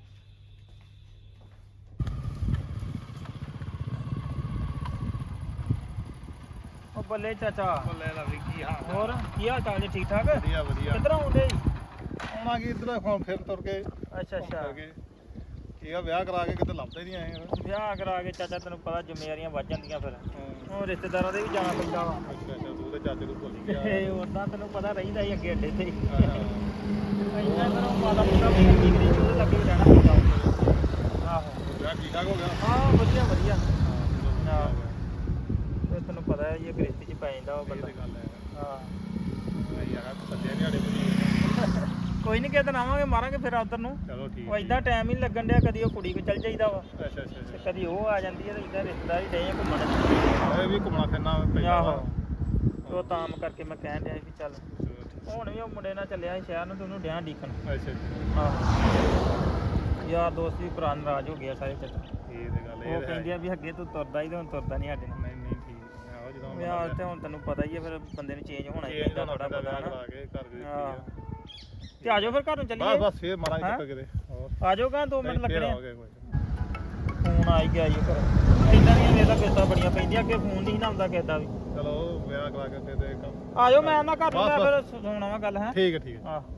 F: ਉਹ ਬੱਲੇ ਚਾਚਾ
A: ਬੱਲੇ ਦਾ ਵੀ ਕੀ ਹਾਲ
F: ਹੋਰ ਕੀ ਹਾਲ ਚਾਲ ਜੀ ਠੀਕ ਠਾਕ
A: ਵਧੀਆ ਵਧੀਆ
F: ਕਿੱਧਰ ਆਉਂਦੇ ਜੀ
A: ਆਉਣਾ ਕੀ ਇਧਰ ਹੁਣ ਫਿਰ ਤੁਰ ਕੇ
F: ਅੱਛਾ ਅੱਛਾ
A: ਕੀ ਆ ਵਿਆਹ ਕਰਾ ਕੇ ਕਿਤੇ ਲੱਭਦੇ ਨਹੀਂ ਆਏ ਯਾਰ
F: ਵਿਆਹ ਕਰਾ ਕੇ ਚਾਚਾ ਤੈਨੂੰ ਪਤਾ ਜ਼ਿੰਮੇਵਾਰੀਆਂ ਵੱਧ ਜਾਂਦੀਆਂ ਫਿਰ ਹੁਣ ਰਿਸ਼ਤੇਦਾਰਾਂ ਦੇ ਵੀ ਜਾਣਾ ਪੈਂਦਾ ਵਾ
A: ਅੱਛਾ ਅੱਛਾ ਤੂੰ ਤੇ ਚਾਚੇ ਨੂੰ ਭੁੱਲ ਗਿਆ
F: ਤੇ ਉਦਾਂ ਤੈਨੂੰ ਪਤਾ ਰਹਿੰਦਾ ਹੀ ਅੱਗੇ ਅੱਡੇ ਤੇ
A: ਹਾਂ।
F: ਇੰਨਾ ਫਿਰ ਉਹ ਮਾਤਾ ਮੁੰਡਾ ਵੀ ਕੀ ਕਰੀ ਉਹਦੇ ਲੱਗੇ ਵੀ ਰਹਿਣਾ ਪੈਂਦਾ ਵਾ। ਆਹੋ
A: ਵਿਆਹ ਠੀਕ ਠਾਕ ਹੋ ਗਿਆ
F: ਹਾਂ ਵਧੀਆ ਵਧੀਆ
A: ਹਾਂ
F: ਤੇ ਤੈਨੂੰ ਪਤਾ ਹੈ ਇਹ ਗ੍ਰਸਤੀ ਚ ਪੈ ਜਾਂਦਾ ਉਹ
A: ਇਹ
F: ਬੰਦਾ
A: ਤੇ ਗੱਲ ਹੈ
F: ਹਾਂ
A: ਨਹੀਂ ਯਾਰ ਸੱਜੇ ਨਿਆੜੇ ਬਣੀ
F: ਕੋਈ ਨਹੀਂ ਕਿਤੇ ਆਵਾਂਗੇ ਮਾਰਾਂਗੇ ਫਿਰ ਉਧਰ ਨੂੰ
A: ਚਲੋ ਠੀਕ
F: ਉਹ ਇਦਾਂ ਟਾਈਮ ਹੀ ਨੀ ਲੱਗਣ ਡਿਆ ਕਦੀ ਉਹ ਕੁੜੀ ਕੋ ਚੱਲ ਜਾਈਦਾ ਵਾ
A: ਅੱਛਾ ਅੱਛਾ
F: ਤੇ
A: ਅੱਛਾ
F: ਕਦੀ ਉਹ ਆ ਜਾਂਦੀ ਹੈ ਤੇ ਇਦਾਂ ਰਿਸ਼ਤੇਦਾਰ ਹੀ ਡਏ ਆ ਘੁੰਮਣ
A: ਇਹ ਵੀ ਘੁੰਮਣਾ ਫਿਰਨਾ ਪੈਂਦਾ
F: ਆਹੋ
A: ਵਾ।
F: ਤੇ ਉਹ ਤਾਂ ਕਰਕੇ ਮੈਂ ਕਹਿਣ ਡਿਆ ਸੀ ਵੀ ਚੱਲ
A: ਚਲੋ ਠੀਕ।
F: ਹੁਣ ਵੀ ਉਹ ਮੁੰਡੇ ਨਾਲ ਚੱਲਿਆ ਸੀ ਸ਼ਹਿਰ ਨੂੰ ਤੇ ਉਹਨੂੰ ਡਿਆਂ ਡੀਕਣ
A: ਅੱਛਾ ਅੱਛਾ
F: ਆਹੋ ਯਾਰ ਦੋਸਤ ਵੀ ਭਰਾ ਨਾਰਾਜ਼ ਹੋ ਗਿਆ ਸਾਰੇ ਚੱਕਰ
A: ਇਹ ਤੇ ਗੱਲ
F: ਉਹ ਕਹਿੰਦੇ ਆ ਵੀ ਅੱਗੇ ਤੂੰ ਤੁਰਦਾ ਹੀ ਤੇ ਹੁਣ ਤੁਰਦਾ ਨਹੀਂ ਸਾਡੇ ਨਾਲ
A: ਨਹੀਂ ਨਹੀਂ ਠੀਕ ਆਹੋ ਜਦੋਂ
F: ਯਾਰ ਤੇ ਹੁਣ ਤੈਨੂੰ ਪਤਾ ਹੀ ਆ ਫਿਰ ਬੰਦੇ ਨੂੰ ਚੇਂਜ ਹੋਣਾ ਹੀ
A: ਇਹ
F: ਪੈਂਦਾ ਥੋੜਾ ਬਹੁਤਾ ਨਾ
A: ਕਰਾ ਕੇ ਘਰ ਦੇ
F: ਹਾਂ ਤੇ ਆ ਜਾਓ ਫਿਰ ਘਰ ਨੂੰ
A: ਬਸ
F: ਚੱਲੀਏ
A: ਬਸ ਫੇਰ ਮਾਰਾਂਗੇ
F: ਹੈਂ?
A: ਚੱਕਰ ਕਿਤੇ ਹੋਰ
F: ਆ ਜਾਓ ਕਾਂ 2 ਮਿੰਟ
A: ਫੇਰ
F: ਲੱਗਣੇ ਆ
A: ਆਵਾਂਗੇ ਕੋਈ
F: ਫੋਨ ਆ ਹੀ ਗਿਆ ਜੀ ਫਿਰ ਇਦਾਂ ਦੀਆਂ ਵੇਲਾ ਕਿਸ਼ਤਾਂ ਬੜੀਆਂ ਪੈਂਦੀਆਂ ਅੱਗੇ ਫੋਨ ਨਹੀਂ ਨਾ ਆਉਂਦਾ ਕਿਸੇ ਦਾ ਵੀ
A: ਚਲੋ ਵਿਆਹ ਕਰਾ ਕੇ ਫੇਰ ਦੇ ਕੰਮ
F: ਆ ਜਾਓ ਮੈਂ ਨਾ ਘਰ ਨੂੰ ਮੈਂ
A: ਬਸ,
F: ਫਿਰ ਸੁਣਾਵਾਂ ਵਾ ਗੱਲ ਹੈ
A: ਠੀਕ ਹੈ ਠੀਕ ਹੈ
F: ਆਹ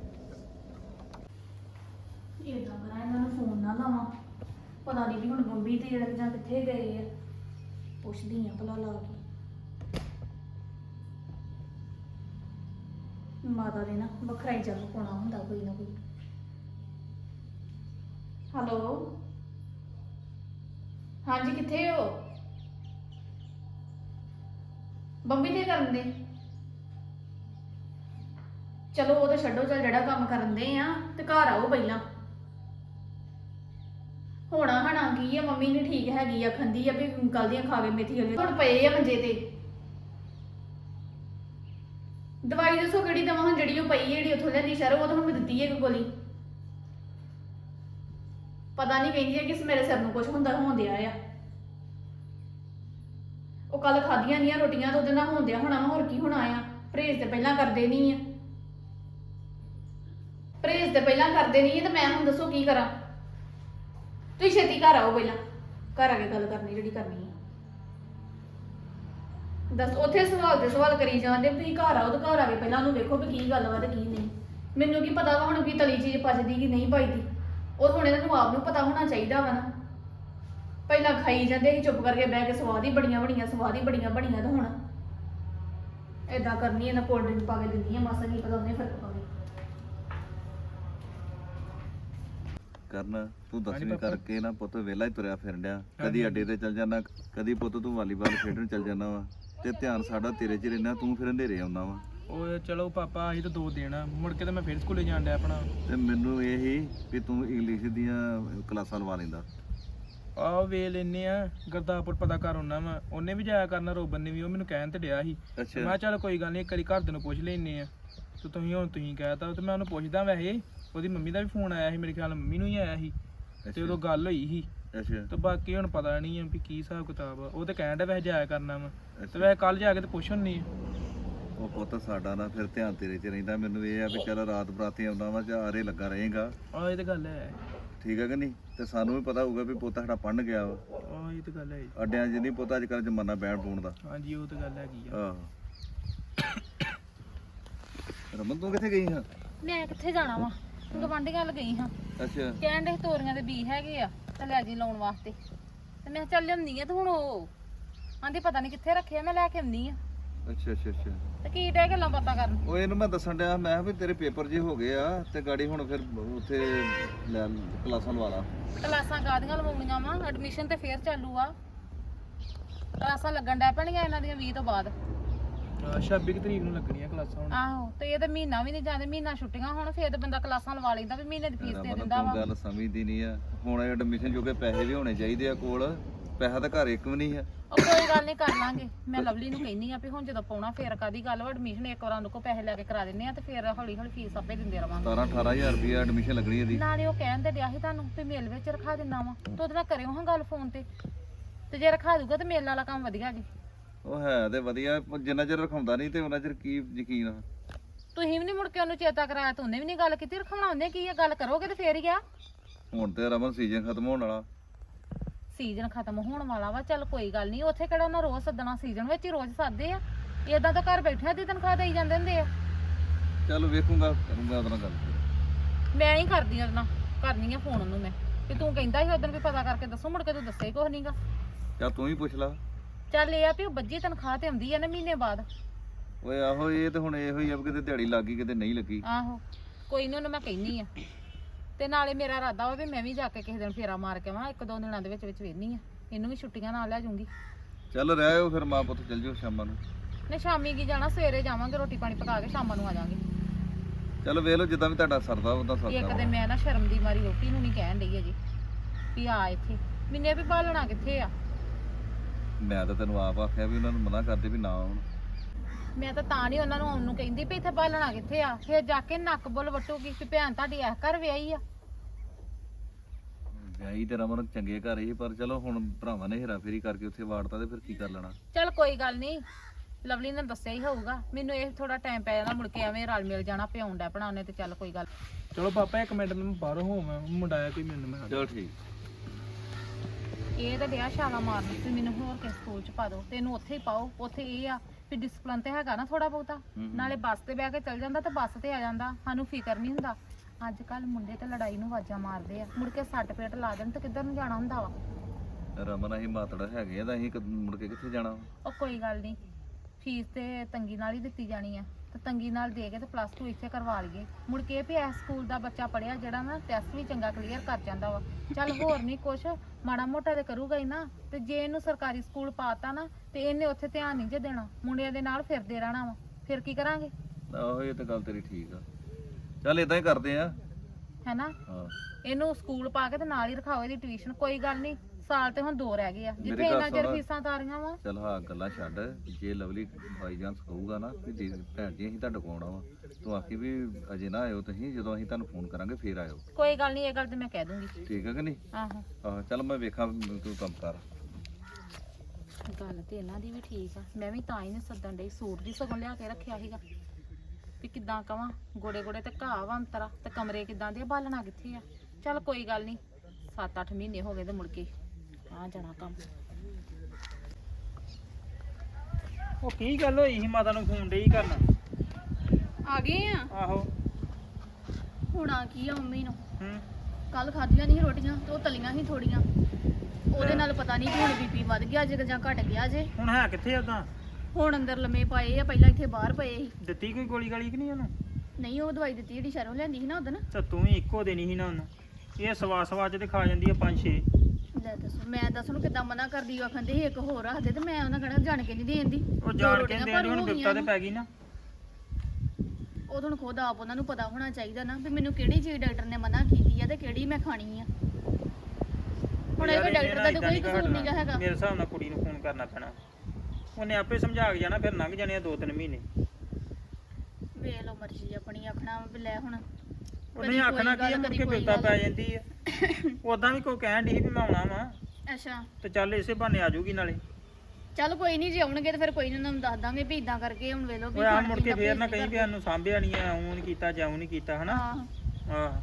E: ਇਦਾਂ ਕਰਾਂ ਇਹਨਾਂ ਨੂੰ ਫੋਨ ਨਾ ਲਾਵਾਂ ਪਤਾ ਨਹੀਂ ਵੀ ਹੁਣ ਬੰਬੀ ਤੇ ਜਾਂ ਕਿੱਥੇ ਗਏ ਆ ਪੁੱਛਦੀ ਆ ਭਲਾ ਲਾ ਕੇ ਮਾਤਾ ਦੇ ਨਾ ਵੱਖਰਾ ਹੀ ਜੱਗ ਪਾਉਣਾ ਹੁੰਦਾ ਕੋਈ ਨਾ ਕੋਈ ਹੈਲੋ ਹਾਂਜੀ ਕਿੱਥੇ ਹੋ ਬੰਬੀ ਤੇ ਕਰਨ ਦੇ ਚਲੋ ਉਹ ਤਾਂ ਛੱਡੋ, ਚੱਲ ਜਿਹੜਾ ਕੰਮ ਕਰਨ ਦੇ ਆ ਤੇ ਘਰ ਆਓ ਪਹਿਲਾਂ। ਹੋਣਾ ਹਣਾ ਕੀ ਆ, ਮੰਮੀ ਨੇ ਠੀਕ ਹੈਗੀ ਆ, ਖੰਦੀ ਆ ਵੀ ਕੱਲ ਦੀਆਂ ਖਾ ਕੇ ਮੇਥੀ ਵਾਲੇ ਹੁਣ ਪਏ ਆ ਮੰਜੇ ਤੇ। ਦਵਾਈ ਦੱਸੋ ਕਿਹੜੀ ਦਵਾਂ ਹੁਣ, ਜਿਹੜੀ ਉਹ ਪਈ ਜਿਹੜੀ ਉੱਥੋਂ ਲਿਆਂਦੀ ਸ਼ਹਿਰੋਂ, ਉਹ ਤਾਂ ਹੁਣ ਮੈਂ ਦਿੱਤੀ ਹੈ ਇੱਕ ਗੋਲੀ। ਪਤਾ ਨਹੀਂ ਕਹਿੰਦੀ ਹੈ ਕਿ ਮੇਰੇ ਸਿਰ ਨੂੰ ਕੁਝ ਹੁੰਦਾ ਹੋਂਦਿਆ ਆ। ਉਹ ਕੱਲ ਖਾਧੀਆਂ ਨਹੀਂ ਰੋਟੀਆਂ ਤਾਂ ਉਹਦੇ ਨਾਲ ਹੋਂਦਿਆ ਹੋਣਾ ਵਾ, ਹੋਰ ਕੀ ਹੋਣਾ ਆ। ਪਰਹੇਜ਼ ਤੇ ਪਹਿਲਾਂ ਕਰਦੇ ਨਹੀਂ ਆ, ਪਰਹੇਜ਼ ਤੇ ਪਹਿਲਾਂ ਕਰਦੇ ਨਹੀਂ ਆ, ਤੇ ਮੈਂ ਹੁਣ ਦੱਸੋ ਕੀ ਕਰਾਂ। ਤੁਸੀਂ ਛੇਤੀ ਘਰ ਆਓ ਪਹਿਲਾਂ, ਘਰ ਆ ਕੇ ਗੱਲ ਕਰਨੀ ਜਿਹੜੀ ਕਰਨੀ ਹੈ। ਦੱਸ ਉੱਥੇ ਸਵਾਲ ਤੇ ਸਵਾਲ ਕਰੀ ਜਾਂਦੇ, ਤੁਸੀਂ ਘਰ ਆਓ ਤੇ ਘਰ ਆ ਕੇ ਪਹਿਲਾਂ ਉਹਨੂੰ ਵੇਖੋ ਵੀ ਕੀ ਗੱਲ ਵਾ ਤੇ ਕੀ ਨਹੀਂ। ਮੈਨੂੰ ਕੀ ਪਤਾ ਵਾ ਹੁਣ ਵੀ ਤਲੀ ਚੀਜ਼ ਪਚਦੀ ਕਿ ਨਹੀਂ ਪਚਦੀ, ਉਹ ਹੁਣ ਇਹਨਾਂ ਨੂੰ ਆਪ ਨੂੰ ਪਤਾ ਹੋਣਾ ਚਾਹੀਦਾ ਵਾ ਨਾ। ਪਹਿਲਾਂ ਖਾਈ ਜਾਂਦੇ ਸੀ ਚੁੱਪ ਕਰਕੇ ਬਹਿ ਕੇ, ਸਵਾਦ ਹੀ ਬੜੀਆਂ ਬਣੀਆਂ, ਸਵਾਦ ਹੀ ਬੜੀਆਂ ਬਣੀਆਂ, ਤੇ ਹੁਣ ਏਦਾਂ ਕਰਨੀ ਇਹਨਾਂ ਕੋਲਡ ਡਰਿੰਕ ਪਾ ਕੇ ਦਿੰਦੀ ਆ, ਮਾਸਾ ਕੀ ਪਤਾ ਉਹਨੇ ਫਰਕ ਪਾਵੇ।
G: ਕਰਨ ਤੂੰ 10ਵੀਂ ਕਰਕੇ ਨਾ ਪੁੱਤ ਵਿਹਲਾ ਹੀ ਤੁਰਿਆ ਫਿਰਨ ਡਿਆ, ਕਦੀ ਅੱਡੇ ਤੇ ਚੱਲ ਜਾਣਾ, ਕਦੀ ਪੁੱਤ ਤੂੰ ਵਾਲੀਬਾਲ ਖੇਡਣ ਚੱਲ ਜਾਣਾ ਵਾ, ਤੇ ਧਿਆਨ ਸਾਡਾ ਤੇਰੇ 'ਚ ਰਹਿਣਾ, ਤੂੰ ਫਿਰ ਹਨੇਰੇ ਆਉਣਾ ਵਾ।
F: ਉਹ ਚਲੋ ਪਾਪਾ ਅਸੀਂ ਤਾਂ 2 ਦਿਨ ਆ, ਮੁੜ ਕੇ ਤਾਂ ਮੈਂ ਫਿਰ ਸਕੂਲੇ ਜਾਣ ਡਿਆ ਆਪਣਾ।
G: ਤੇ ਮੈਨੂੰ ਇਹ ਹੀ ਵੀ ਤੂੰ ਇੰਗਲਿਸ਼ ਦੀਆਂ ਕਲਾਸਾਂ ਲਵਾ ਲੈਂਦਾ।
F: ਆਹ ਵੇ ਲੈਨੇ ਆ, ਗੁਰਦਾਸਪੁਰ ਪਤਾ ਕਰ ਆਉਣਾ ਵਾ, ਉਹਨੇ ਵੀ ਜਾਇਆ ਕਰਨਾ, ਰੋਬਨ ਨੇ ਵੀ, ਉਹ ਮੈਨੂੰ ਕਹਿਣ ਤੇ ਡਿਆ ਸੀ। ਮੈਂ ਕਿਹਾ ਚੱਲ ਕੋਈ ਗੱਲ ਨਹੀਂ, ਇੱਕ ਵਾਰੀ ਘਰਦਿਆਂ ਨੂੰ ਪੁੱਛ ਲੈਨੇ ਆ। ਤੇ ਤੁਸੀਂ ਕਹਿਤਾ ਤੇ ਮੈਂ ਉਹਨੂੰ ਪੁੱਛਦਾ। ਵੈਸੇ ਉਹਦੀ ਮੰਮੀ ਦਾ ਵੀ ਫੋਨ ਆਇਆ ਸੀ, ਮੇਰੇ ਖਿਆਲ ਮੰਮੀ ਨੂੰ ਹੀ ਆਇਆ ਸੀ, ਤੇ ਉਦੋਂ ਗੱਲ ਹੋਈ ਸੀ। ਤੇ ਬਾਕੀ ਹੁਣ ਪਤਾ ਨਹੀਂ ਆ ਵੀ ਕੀ ਹਿਸਾਬ ਕਿਤਾਬ ਆ। ਉਹ ਤੇ ਕਹਿਣ ਡਿਆ ਵੈਸੇ ਜਾਇਆ ਕਰਨਾ ਵਾ, ਤੇ ਵੈਸੇ ਕੱਲ ਜਾ ਕੇ ਤੇ ਪੁੱਛ ਹੁੰਨੀ ਆ।
G: ਉਹ ਪੁੱਤ ਸਾਡਾ ਨਾ ਫਿਰ ਧਿਆਨ ਤੇਰੇ 'ਚ ਰਹਿੰਦਾ। ਮੈਨੂੰ ਇਹ ਆ ਵੀ ਚੱਲ ਰਾਤ ਬਰਾਤੇ ਆਉਂਦਾ ਵਾ ਜਾਂ ਆਰੇ ਲੱਗਾ ਰਹੇਗਾ।
F: ਆਹ ਇਹ ਤੇ ਗੱਲ ਹੈ,
G: ਠੀਕ ਹੈ ਕਿ ਨਹੀਂ? ਤੇ ਸਾਨੂੰ ਵੀ ਪਤਾ ਹੋਊਗਾ ਵੀ ਪੁੱਤ ਸਾਡਾ ਪੜਨ ਗਿਆ ਵਾ।
F: ਆਹ ਇਹ ਤੇ ਗੱਲ ਹੈ।
G: ਅੱਡਿਆਂ 'ਚ ਨਹੀਂ ਪੁੱਤ ਅੱਜ ਕੱਲ੍ਹ ਜ਼ਮਾਨਾ ਬਹਿਣ ਬੂਣ ਦਾ।
F: ਹਾਂਜੀ ਉਹ ਤੇ ਗੱਲ ਹੈਗੀ ਆ।
G: ਆਹੋ ਰਮਨ ਤੂੰ ਕਿੱਥੇ ਗਈ ਹਾਂ?
B: ਮੈਂ ਕਿੱਥੇ ਜਾਣਾ ਵਾ, ਗਵਾਂਢੀ ਗੱਲ ਗਈ ਹਾਂ।
G: ਅੱਛਾ
B: ਕਹਿਣ ਦੇ ਤੋਰੀਆਂ ਦੇ ਬੀਜ ਹੈਗੇ ਆ ਤੇ ਲੈ ਜੀ ਲਾਉਣ ਵਾਸਤੇ, ਤੇ ਮੈਂ ਚੱਲ ਲਿਆਉਂਦੀ ਆ। ਤੇ ਹੁਣ ਉਹ ਆਂਦੀ ਪਤਾ ਨਹੀਂ ਕਿੱਥੇ ਰੱਖਿਆ, ਮੈਂ ਲੈ ਕੇ ਆਉਂਦੀ ਆ।
G: ਅੱਛਾ ਅੱਛਾ ਅੱਛਾ।
B: ਤੇ ਕੀ ਡੇ ਗੱਲਾਂ ਬਾਤਾਂ ਕਰਨ।
G: ਉਹ ਇਹਨੂੰ ਮੈਂ ਦੱਸਣ ਡਿਆ, ਮੈਂ ਕਿਹਾ ਵੀ ਤੇਰੇ ਪੇਪਰ ਜੇ ਹੋ ਗਏ ਆ ਤੇ ਗਾੜੀ ਹੁਣ ਫਿਰ ਉੱਥੇ ਲੈ ਕਲਾਸਾਂ ਲਵਾ ਲਾ।
B: ਕਲਾਸਾਂ ਕਾਹਦੀਆਂ ਲਵਾਉਣੀਆਂ ਵਾ, ਐਡਮਿਸ਼ਨ ਤੇ ਫੇਰ ਚਾਲੂ ਆ। ਕਲਾਸਾਂ ਲੱਗਣ ਡੈ ਪੈਣੀਆਂ ਇਹਨਾਂ ਦੀਆਂ 20 ਤੋਂ ਬਾਅਦ।
F: 26 ਤਰੀਕ ਨੂੰ ਲੱਗਣੀਆਂ ਕਲਾਸਾਂ ਹੁਣ।
B: ਆਹੋ ਤੇ ਇਹ ਤਾਂ ਮਹੀਨਾ ਵੀ ਨਹੀਂ ਜਾਂਦੇ, ਮਹੀਨਾ ਛੁੱਟੀਆਂ ਹੁਣ, ਫੇਰ ਤਾਂ ਬੰਦਾ ਕਲਾਸਾਂ ਲਵਾ ਲੈਂਦਾ ਵੀ ਮਹੀਨੇ ਦੀ ਫੀਸ ਦੇ ਦਿੰਦਾ ਵਾ।
G: ਗੱਲ ਸਮਝਦੀ ਨਹੀਂ ਆ। ਹੁਣ ਐਡਮਿਸ਼ਨ ਜੋਗੇ ਪੈਸੇ ਵੀ ਹੋਣੇ ਚਾਹੀਦੇ ਆ ਕੋਲ, ਪੈਸਾ ਤਾਂ ਘਰ ਇੱਕ ਵੀ ਨਹੀਂ ਆ।
B: ਉਹ ਕੋਈ ਗੱਲ ਨਹੀਂ, ਕਰ ਲਾਂਗੇ। ਮੈਂ ਲਵਲੀ ਨੂੰ ਕਹਿੰਦੀ ਆ ਵੀ ਹੁਣ ਜਦੋਂ ਪਾਉਣਾ ਫੇਰ ਕਾਦੀ ਗੱਲ ਵਾ, ਐਡਮਿਸ਼ਨ ਇੱਕ ਵਾਰ ਉਹਨੂੰ ਕੋ ਪੈਸੇ ਲੈ ਕੇ ਕਰਾ ਦਿੰਨੇ ਆ, ਤੇ ਫੇਰ ਹੌਲੀ ਹੌਲੀ ਫੀਸ ਆਪੇ ਦਿੰਦੇ ਰਵਾਂਗੇ।
G: 17-18 ਹਜ਼ਾਰ ਰੁਪਇਆ ਐਡਮਿਸ਼ਨ ਲੱਗਣੀ ਇਹਦੀ।
B: ਨਾਲੇ ਉਹ ਕਹਿਣ ਤੇ ਡਿਆ ਸੀ ਤੁਹਾਨੂੰ ਵੀ ਮੇਲ ਵਿੱਚ ਰਖਾ ਦਿੰਦਾ ਵਾ, ਤੇ ਉਹਦੇ ਨਾਲ ਕਰਿਓ ਹਾਂ ਗੱਲ ਫੋਨ ਤੇ ਜੇ ਰਖਾ ਦੂਗਾ ਤੇ ਮੇਲ ਵਾਲਾ ਕੰਮ ਵਧੀਆ ਜੀ।
G: ਉਹ ਹੈ ਤੇ ਵਧੀਆ, ਜਿੰਨਾ ਚਿਰ ਰਖਾਉਂਦਾ ਨਹੀਂ ਤੇ ਉਹਨਾਂ ਚਿਰ ਕੀ ਯਕੀਨ ਆ।
B: ਤੁਸੀਂ ਵੀ ਨਹੀਂ ਮੁੜ ਕੇ ਉਹਨੂੰ ਚੇਤਾ ਕਰਾਇਆ, ਤੇ ਉਹਨੇ ਵੀ ਨਹੀਂ ਗੱਲ ਕੀਤੀ। ਰਖਾਉਣਾ ਉਹਨੇ ਕੀ ਆ, ਗੱਲ ਕਰੋਗੇ ਤੇ ਫੇਰ ਹੀ ਆ।
G: ਹੁਣ ਤੇ ਰਮਨ ਸੀਜ਼ਨ ਖਤਮ ਹੋਣ ਵਾਲਾ।
B: ਸੀਜ਼ਨ ਖਤਮ ਹੋਣ ਵਾਲਾ ਵਾ, ਚੱਲ ਕੋਈ ਗੱਲ ਨਹੀਂ। ਉੱਥੇ ਕਿਹੜਾ ਉਹਨਾਂ ਰੋਜ਼ ਸੱਦਣਾ, ਸੀਜ਼ਨ ਵਿੱਚ ਹੀ ਰੋਜ਼ ਸੱਦਦੇ ਆ। ਏਦਾਂ ਤਾਂ ਘਰ ਬੈਠਿਆਂ ਦੀ ਤਨਖਾਹ ਦੇਈ ਜਾਂਦੇ ਹੁੰਦੇ ਆ।
G: ਚੱਲ ਵੇਖੂੰਗਾ, ਕਰੂੰਗਾ ਉਹਦੇ ਨਾਲ ਗੱਲ।
B: ਮੈਂ ਹੀ ਕਰਦੀ ਉਹਦੇ ਨਾਲ, ਕਰਨੀ ਆ ਫੋਨ ਉਹਨੂੰ ਮੈਂ, ਵੀ ਤੂੰ ਕਹਿੰਦਾ ਸੀ ਉਦੋਂ ਵੀ ਪਤਾ ਕਰਕੇ ਦੱਸੋ, ਮੁੜ ਕੇ ਤੂੰ ਦੱਸਿਆ ਹੀ ਕੁਛ ਨਹੀਂਗਾ।
G: ਚੱਲ ਤੂੰ ਹੀ ਪੁੱਛ ਲਾ।
B: ਚੱਲ ਇਹ ਆ ਵੀ ਉਹ ਬੱਜੀ ਤਨਖਾਹ ਤੇ ਆਉਂਦੀ ਆ ਨਾ ਮਹੀਨੇ ਬਾਅਦ।
G: ਓਏ ਆਹੋ, ਇਹ ਤੇ ਹੁਣ ਇਹੋ ਹੀ ਆ ਵੀ ਕਿਤੇ ਦਿਹਾੜੀ ਲੱਗ ਗਈ ਕਿਤੇ ਨਹੀਂ ਲੱਗੀ।
B: ਆਹੋ ਕੋਈ ਨੀ, ਉਹਨੂੰ ਮੈਂ ਕਹਿਨੀ ਆ। ਤੇ ਨਾਲੇ ਮੇਰਾ ਇਰਾਦਾ ਵਾ ਵੀ ਮੈਂ ਵੀ ਜਾ ਕੇ ਕਿਸੇ ਦਿਨ ਫੇਰਾ ਮਾਰ ਕੇ ਆਵਾਂ, 1-2 ਦਿਨਾਂ ਦੇ ਵਿੱਚ ਵੇਹਨੀ ਆ। ਇਹਨੂੰ ਵੀ ਛੁੱਟੀਆਂ ਨਾਲ ਲੈ ਜਾਊਂਗੀ।
G: ਚੱਲ ਰਹਿ ਆਓ ਫਿਰ, ਮਾਂ ਪੁੱਤ ਚੱਲ ਜਿਓ ਸ਼ਾਮਾਂ ਨੂੰ।
B: ਨਹੀਂ ਸ਼ਾਮੀ ਕੀ ਜਾਣਾ, ਸਵੇਰੇ ਜਾਵਾਂਗੇ, ਰੋਟੀ ਪਾਣੀ ਪਕਾ ਕੇ ਸ਼ਾਮਾਂ ਨੂੰ ਆ ਜਾਵਾਂਗੇ।
G: ਚੱਲ ਵੇਖ ਲਓ ਜਿੱਦਾਂ ਵੀ ਤੁਹਾਡਾ ਸਰਦਾ ਉਹਦਾ ਸਰਦਾ
B: ਇੱਕ ਤੇ ਮੈਂ ਨਾ ਸ਼ਰਮ ਦੀ ਮਾਰੀ ਰੋਟੀ ਨੂੰ ਨਹੀਂ ਕਹਿਣ ਡਈ ਅਜੇ ਵੀ ਆ ਇੱਥੇ, ਮੈਨੇ ਵੀ ਬਾਲਣਾ ਕਿੱਥੇ ਆ।
G: ਮੈਂ ਤਾਂ ਤੈਨੂੰ ਆਪ ਆਖਿਆ ਵੀ ਉਹਨਾਂ ਨੂੰ ਮਨਾ ਕਰਦੇ ਵੀ ਨਾ ਆਉਣ।
B: ਮੈਂ ਤਾਂ ਨਹੀਂ ਉਹਨਾਂ ਨੂੰ ਆਉਣ ਨੂੰ ਕਹਿੰਦੀ ਵੀ ਇੱਥੇ ਬਾਲਣਾ ਕਿੱਥੇ ਆ। ਫਿਰ ਜਾ ਕੇ ਨੱਕ ਬੁੱਲ ਵੱਟੂਗੀ ਕਿ ਭੈਣ ਤੁਹਾਡੀ ਇਸ ਘਰ ਵਿਆਹੀ ਆ।
G: ਵਿਆਹੀ ਤੇ ਰਮਨ ਚੰਗੇ ਘਰ ਹੀ, ਪਰ ਚਲੋ ਹੁਣ ਭਰਾਵਾਂ ਨੇ ਹੇਰਾਫੇਰੀ ਕਰਕੇ ਉੱਥੇ ਵਾੜਤਾ ਤੇ ਫਿਰ ਕੀ ਕਰ ਲੈਣਾ।
B: ਚੱਲ ਕੋਈ ਗੱਲ ਨਹੀਂ, ਲਵਲੀ ਨੇ ਦੱਸਿਆ ਹੀ ਹੋਊਗਾ ਮੈਨੂੰ। ਇਹ ਥੋੜਾ ਟਾਈਮ ਪੈ ਜਾਣਾ, ਮੁੜ ਕੇ ਐਵੇਂ ਰਲ ਮਿਲ ਜਾਣਾ, ਪਿਆਉਣ ਡੈ ਬਣਾਉਣੇ। ਤੇ ਚੱਲ ਕੋਈ ਗੱਲ।
F: ਚਲੋ ਪਾਪਾ 1 ਮਿੰਟ ਮੈਂ ਬਾਹਰੋਂ ਹੋਵਾਂ, ਮੁੰਡਾ ਆਇਆ ਕੋਈ ਮੈਨੂੰ। ਮੈਂ
G: ਚਲੋ ਠੀਕ।
B: ਇਹ ਤਾਂ ਡਿਆ ਛਾਲਾ ਮਾਰਨ ਤੇ ਮੈਨੂੰ ਹੋਰ ਕਿਸ ਸਕੂਲ ਚ ਪਾ ਦਿਓ, ਤੇ ਇਹਨੂੰ ਉੱਥੇ ਹੀ ਪਾਓ। ਉੱਥੇ ਇਹ ਆ ਵੀ ਡਿਸਪਲਨ ਤੇ ਹੈਗਾ ਨਾ ਥੋੜਾ ਬਹੁਤਾ, ਨਾਲੇ ਬੱਸ ਤੇ ਬਹਿ ਕੇ ਚੱਲ ਜਾਂਦਾ ਤੇ ਬੱਸ ਤੇ ਆ ਜਾਂਦਾ, ਸਾਨੂੰ ਫਿਕਰ ਨਹੀਂ ਹੁੰਦਾ। ਅੱਜ ਕੱਲ ਮੁੰਡੇ ਤੇ ਲੜਾਈ ਨੂੰ ਆਵਾਜ਼ਾਂ ਮਾਰਦੇ ਆ, ਮੁੜ ਕੇ ਸੱਟ ਪੇਟ ਲਾ ਦੇਣ ਤੇ ਕਿੱਧਰ ਨੂੰ ਜਾਣਾ ਹੁੰਦਾ ਵਾ।
G: ਰਮਨ ਅਸੀਂ ਮਾਤੜ ਹੈਗੇ ਆ ਤਾਂ ਅਸੀਂ ਮੁੜ ਕੇ ਕਿੱਥੇ ਜਾਣਾ।
B: ਉਹ ਕੋਈ ਗੱਲ ਨਹੀਂ, ਫੀਸ ਤੇ ਤੰਗੀ ਨਾਲ ਹੀ ਦਿੱਤੀ ਜਾਣੀ ਆ, ਤੇ ਤੰਗੀ ਨਾਲ ਦੇ ਕੇ ਤੇ +2 ਇੱਥੇ ਕਰਵਾ ਲਈਏ। ਮੁੜ ਕੇ ਵੀ ਇਸ ਸਕੂਲ ਦਾ ਬੱਚਾ ਪੜਿਆ ਜਿਹੜਾ ਨਾ ਟੈਸਟ ਵੀ ਚੰਗਾ ਕਲੀਅਰ ਕਰ ਜਾਂਦਾ ਵਾ। ਚੱਲ ਹੋਰ ਨਹੀਂ ਕੁਛ, ਮਾੜਾ ਮੋਟਾ ਤੇ ਕਰੂਗਾ ਹੀ ਨਾ। ਤੇ ਜੇ ਇਹਨੂੰ ਸਰਕਾਰੀ ਸਕੂਲ ਪਾਤਾ ਨਾ ਤੇ ਇਹਨੇ ਉੱਥੇ ਧਿਆਨ ਨਹੀਂ ਜੇ ਦੇਣਾ, ਮੁੰਡਿਆਂ ਦੇ ਨਾਲ ਫਿਰਦੇ ਰਹਿਣਾ ਵਾ। ਫਿਰ ਕੀ ਕਰਾਂਗੇ?
G: ਆਹੋ ਇਹ ਤਾਂ ਗੱਲ ਤੇਰੀ ਠੀਕ ਆ। ਚੱਲ ਇਦਾਂ ਹੀ ਕਰਦੇ ਆ।
B: ਹੈਨਾ
G: ਹਾਂ
B: ਇਹਨੂੰ ਸਕੂਲ ਪਾ ਕੇ ਤੇ ਨਾਲ ਹੀ ਰਖਾਓ ਇਹਦੀ ਟਿਊਸ਼ਨ। ਕੋਈ ਗੱਲ ਨਹੀਂ, ਸਾਲ ਤੇ ਹੁਣ 2 ਰਹਿ ਗਏ ਆ ਜਿੱਥੇ
G: ਮੇਰੀ ਗੱਲ
B: ਇੰਨਾ ਚਿਰ
G: ਸੁਣ।
B: ਫੀਸਾਂ ਤਾਰੀਆਂ ਵਾ।
G: ਚੱਲ ਹਾਂ ਗੱਲਾਂ ਛੱਡ। ਜੇ ਲਵਲੀ ਬਾਈ ਚਾਂਸ ਕਹੂਗਾ ਨਾ ਵੀ ਭੈਣ ਜੀ ਅਸੀਂ ਤੁਹਾਡੇ ਕੋਲ ਆਉਣਾ ਵਾ, ਤੂੰ ਆਖੀ ਵੀ ਅਜੇ ਨਾ ਆਇਓ ਤੁਸੀਂ, ਜਦੋਂ ਅਸੀਂ ਤੁਹਾਨੂੰ ਫੋਨ ਕਰਾਂਗੇ ਫੇਰ ਆਇਓ।
B: ਕੋਈ ਗੱਲ ਨਹੀਂ, ਇਹ ਗੱਲ ਤੇ ਮੈਂ ਕਹਿ ਦੂੰਗੀ।
G: ਠੀਕ ਹੈ ਕਿ ਨਹੀਂ?
B: ਆਹੋ
G: ਆਹ ਚੱਲ ਮੈਂ ਵੇਖਾਂ ਤੂੰ ਕੰਮ ਕਰ।
B: ਗੱਲ ਤੇ ਇਹਨਾਂ ਦੀ ਵੀ ਠੀਕ ਆ। ਮੈਂ ਵੀ ਤਾਂ ਹੀ ਨਹੀਂ ਸੱਦਣ ਡਈ। ਸੂਟ ਵੀ ਸਗੋਂ ਲਿਆ ਕੇ ਰੱਖਿਆ ਸੀਗਾ ਵੀ ਕਿੱਦਾਂ ਕਵਾਂ, ਗੋੜੇ ਗੋੜੇ ਤੇ ਘਾਹ ਵਾ ਅੰਤਰਾ ਤੇ ਕਮਰੇ ਕਿੱਦਾਂ ਦੇ ਆ, ਬਾਲਣਾ ਕਿੱਥੇ ਆ। ਚੱਲ ਕੋਈ ਗੱਲ ਨਹੀਂ, 7-8 ਮਹੀਨੇ ਹੋ ਗਏ ਤੇ ਮੁੜ ਕੇ ਆ ਜਾਣਾ ਕੰਮ।
F: ਉਹ ਕੀ ਗੱਲ ਹੋਈ ਸੀ ਮਾਤਾ ਨੂੰ ਫੋਨ ਡਈ ਕਰਨਾ?
E: ਆ ਗਏ ਆ
F: ਆਹੋ।
E: ਹੁਣ ਆ ਕੀ ਆ ਮੰਮੀ ਨੂੰ,
F: ਹੂੰ
E: ਕੱਲ ਖਾਧੀਆਂ ਨਹੀਂ ਰੋਟੀਆਂ ਤੇ ਉਹ ਤਲੀਆਂ ਸੀ ਥੋੜੀਆਂ, ਉਹਦੇ ਨਾਲ ਪਤਾ ਨਹੀਂ ਹੁਣ ਬੀਪੀ ਵੱਧ ਗਿਆ ਜੇ ਜਾਂ ਘਟ ਗਿਆ ਜੇ।
F: ਹੁਣ ਹੈ ਕਿੱਥੇ ਉਦਾਂ?
E: ਹੁਣ ਅੰਦਰ ਲੰਮੇ ਪਏ ਆ, ਪਹਿਲਾਂ ਇੱਥੇ ਬਾਹਰ ਪਏ ਸੀ।
F: ਦਿੱਤੀ ਕੋਈ ਗੋਲੀ ਗਾਲੀ ਕਿ ਨਹੀਂ ਉਹਨੂੰ?
E: ਨਹੀਂ ਉਹ ਦਵਾਈ ਦਿੱਤੀ ਜਿਹੜੀ ਸ਼ਹਿਰੋਂ ਲਿਆਂਦੀ ਸੀ ਨਾ ਉਦੋਂ।
F: ਤਾਂ ਤੂੰ ਵੀ ਇੱਕੋ ਦੇਣੀ ਸੀ ਨਾ ਉਹਨੂੰ। ਇਹ ਸਵਾ ਚ ਤੇ ਖਾ ਜਾਂਦੀ ਆ 5-6।
E: ਲੈ ਦੱਸੋ, ਮੈਂ ਦੱਸ ਉਹਨੂੰ ਕਿੱਦਾਂ ਮਨਾ ਕਰਦੀ ਉਹ ਆਖੰਦੇ ਸੀ ਇੱਕ ਹੋਰ ਰੱਖ ਦੇ, ਤੇ ਮੈਂ ਉਹਨਾਂ ਕਹਿਣਾ ਜਾਣ ਕੇ ਨਹੀਂ ਦੇਂਦੀ।
F: ਉਹ ਜਾਣ ਕੇ ਦੇਣੀ ਹੁਣ ਬਿਪਤਾ ਤੇ ਪੈ ਗਈ ਨਾ।
E: ਉਹ ਤੁਹਾਨੂੰ ਖੁਦ ਆਪ ਉਹਨਾਂ ਨੂੰ ਪਤਾ ਹੋਣਾ ਚਾਹੀਦਾ ਨਾ ਵੀ ਮੈਨੂੰ ਕਿਹੜੀ ਚੀਜ਼ ਡਾਕਟਰ ਨੇ ਮਨਾ ਕੀਤੀ ਆ ਤੇ ਕਿਹੜੀ ਮੈਂ ਖਾਣੀ ਆ। ਹੁਣ ਇਹ ਡਾਕਟਰ ਦਾ ਤਾਂ ਕੋਈ ਕਸੂਰ ਨਹੀਂ ਹੈਗਾ।
F: ਮੇਰੇ ਹਿਸਾਬ ਨਾਲ ਕੁੜੀ ਨੂੰ ਫੋਨ ਕਰਨਾ ਪੈਣਾ। ਉਹਨੇ ਆਪੇ ਸਮਝਾ ਕੇ ਜਾਣਾ, ਫਿਰ ਲੰਘ ਜਾਣੇ ਆ 2-3 ਮਹੀਨੇ।
E: ਵੇਖ ਲਓ ਮਰਜ਼ੀ ਆਪਣੀ, ਆਖਣਾ ਵੀ ਲੈ ਹੁਣ
F: ਉਹਨੇ ਆਖਣਾ ਕੀ ਆ, ਮੁੜ ਕੇ ਬਿਪਤਾ ਪੈ ਜਾਂਦੀ ਆ। ਉਦਾਂ ਵੀ ਕੋਈ ਕਹਿਣ ਦੀ ਵੀ ਮੈਂ ਆਉਣਾ ਵਾ,
E: ਅੱਛਾ
F: ਤੇ ਚੱਲ ਇਸੇ ਬਹਾਨੇ ਆ ਜਾਊਗੀ ਨਾਲੇ।
E: ਚੱਲ ਕੋਈ ਨਹੀਂ, ਜੇ ਆਉਣਗੇ ਤੇ ਫਿਰ ਕੋਈ ਨਹੀਂ, ਉਹਨਾਂ ਨੂੰ ਦੱਸ ਦਾਂਗੇ ਵੀ ਇਦਾਂ ਕਰਕੇ ਹੁਣ ਵੇਖ ਲਓ ਵੀ
F: ਉਹ ਆ
E: ਖਾਣ
F: ਮੁੜ
E: ਪੀਣ
F: ਕੇ
E: ਦਾ
F: ਫੇਰ ਨਾ
E: ਭੇਜ
F: ਕਹੀਂ ਵੀ ਸਾਨੂੰ ਸਾਂਭਿਆ ਨਹੀਂ ਆ, ਉਹ ਨਹੀਂ ਕੀਤਾ ਜਾਂ ਉਹ ਨਹੀਂ ਕੀਤਾ, ਹਨਾ।
E: ਆਹ
F: ਆਹ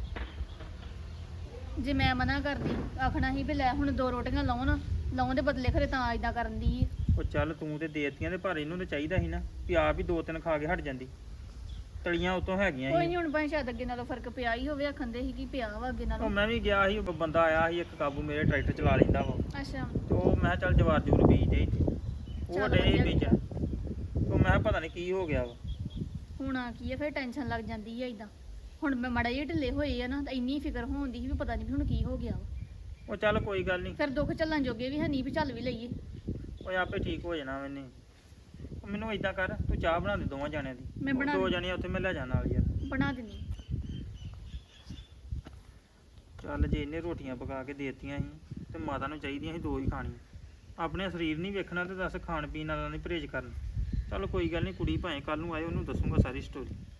E: ਜੇ ਮੈਂ ਮਨਾ ਕਰਦੀ, ਆਖਣਾ ਸੀ ਵੀ ਲੈ ਹੁਣ 2 ਰੋਟੀਆਂ ਲਾਉਣ ਦੇ ਬਦਲੇ ਖਰੇ ਤਾਂ ਇਦਾਂ ਕਰਨ ਦੀ।
F: ਉਹ ਚੱਲ ਤੂੰ ਤੇ ਦੇਤੀਆਂ ਤੇ ਪਰ ਇਹਨੂੰ ਤਾਂ ਚਾਹੀਦਾ ਸੀ ਨਾ ਵੀ ਆਪ ਹੀ 2-3 ਖਾ ਕੇ ਹਟ ਜਾਂਦੀ। ਤਲੀਆਂ ਉਤੋਂ ਹੈਗੀਆਂ
E: ਕੋਈ
F: ਸੀ।
E: ਨਹੀਂ, ਹੁਣ ਭਾਵੇਂ ਸ਼ਾਇਦ ਅੱਗੇ ਨਾਲੋਂ ਫਰਕ ਪਿਆ ਹੀ ਹੋਵੇ, ਆਖੰਦੇ ਸੀ ਕਿ ਪਿਆ ਵਾ ਅੱਗੇ
F: ਉਹ
E: ਨਾਲੋਂ।
F: ਮੈਂ ਵੀ ਗਿਆ ਸੀ, ਉਹ ਬੰਦਾ ਆਇਆ ਸੀ ਇੱਕ ਕਾਬੂ, ਮੇਰੇ ਟਰੈਕਟਰ ਚਲਾ ਲੈਂਦਾ ਵਾ।
E: ਅੱਛਾ
F: ਤੇ ਉਹ ਮੈਂ ਕਿਹਾ ਚੱਲ ਜਵਾਰ ਜੂਰ ਬੀਜ ਦੇ ਇੱਥੇ, ਉਹ
E: ਚੱਲ
F: ਡੇ
E: ਵਧੀਆ
F: ਬੀਜਣ। ਉਹ ਮੈਂ ਕਿਹਾ ਪਤਾ ਨਹੀਂ ਕੀ ਹੋ ਗਿਆ ਵਾ।
E: ਹੁਣ ਆ ਕੀ ਆ, ਫਿਰ ਟੈਨਸ਼ਨ ਲੱਗ ਜਾਂਦੀ ਆ ਇਦਾਂ। ਹੁਣ ਮੈਂ ਮਾੜਾ ਜਿਹਾ ਢਿੱਲੇ ਹੋਏ ਆ ਨਾ, ਤਾਂ ਇੰਨੀ ਫਿਕਰ ਹੋਉਂਦੀ ਸੀ ਵੀ ਪਤਾ ਨਹੀਂ ਵੀ ਹੁਣ ਕੀ ਹੋ ਗਿਆ ਵਾ।
F: ਉਹ ਚੱਲ ਕੋਈ ਗੱਲ ਨਹੀਂ,
E: ਫਿਰ ਦੁੱਖ ਝੱਲਣ ਜੋਗੇ ਵੀ ਹੈ ਨਹੀਂ ਵੀ ਚੱਲ ਵੀ ਲਈਏ।
F: ਉਹ ਆਪੇ ਠੀਕ ਹੋ ਜਾਣਾ ਮੈਨੇ। ਉਹ ਮੈਨੂੰ ਇਦਾਂ ਕਰ, ਤੂੰ ਚਾਹ ਬਣਾ ਦੇ 2 ਜਣਿਆਂ ਦੀ।
E: ਮੈਂ ਬਣਾ
F: 2 ਜਣੀਆਂ ਉੱਥੇ ਮੈਂ ਲੈ ਜਾਣਾ ਨਾਲ ਯਾਰ।
E: ਬਣਾ ਦਿੰਦੀ।
F: ਚੱਲ ਜੇ ਇਹਨੇ ਰੋਟੀਆਂ ਪਕਾ ਕੇ ਦੇਤੀਆਂ ਸੀ ਤੇ ਮਾਤਾ ਨੂੰ ਚਾਹੀਦੀਆਂ ਸੀ 2 ਹੀ ਖਾਣੀਆਂ। ਆਪਣੇ ਸਰੀਰ ਨਹੀਂ ਵੇਖਣਾ ਤੇ ਦੱਸ ਖਾਣ ਪੀਣ ਵਾਲਾ ਨਹੀਂ ਪਰਹੇਜ਼ ਕਰਨਾ। ਚੱਲ ਕੋਈ ਗੱਲ ਨਹੀਂ, ਕੁੜੀ ਭਾਵੇਂ ਕੱਲ ਨੂੰ ਆਏ ਉਹਨੂੰ ਦੱਸੂਗਾ ਸਾਰੀ ਸਟੋਰੀ।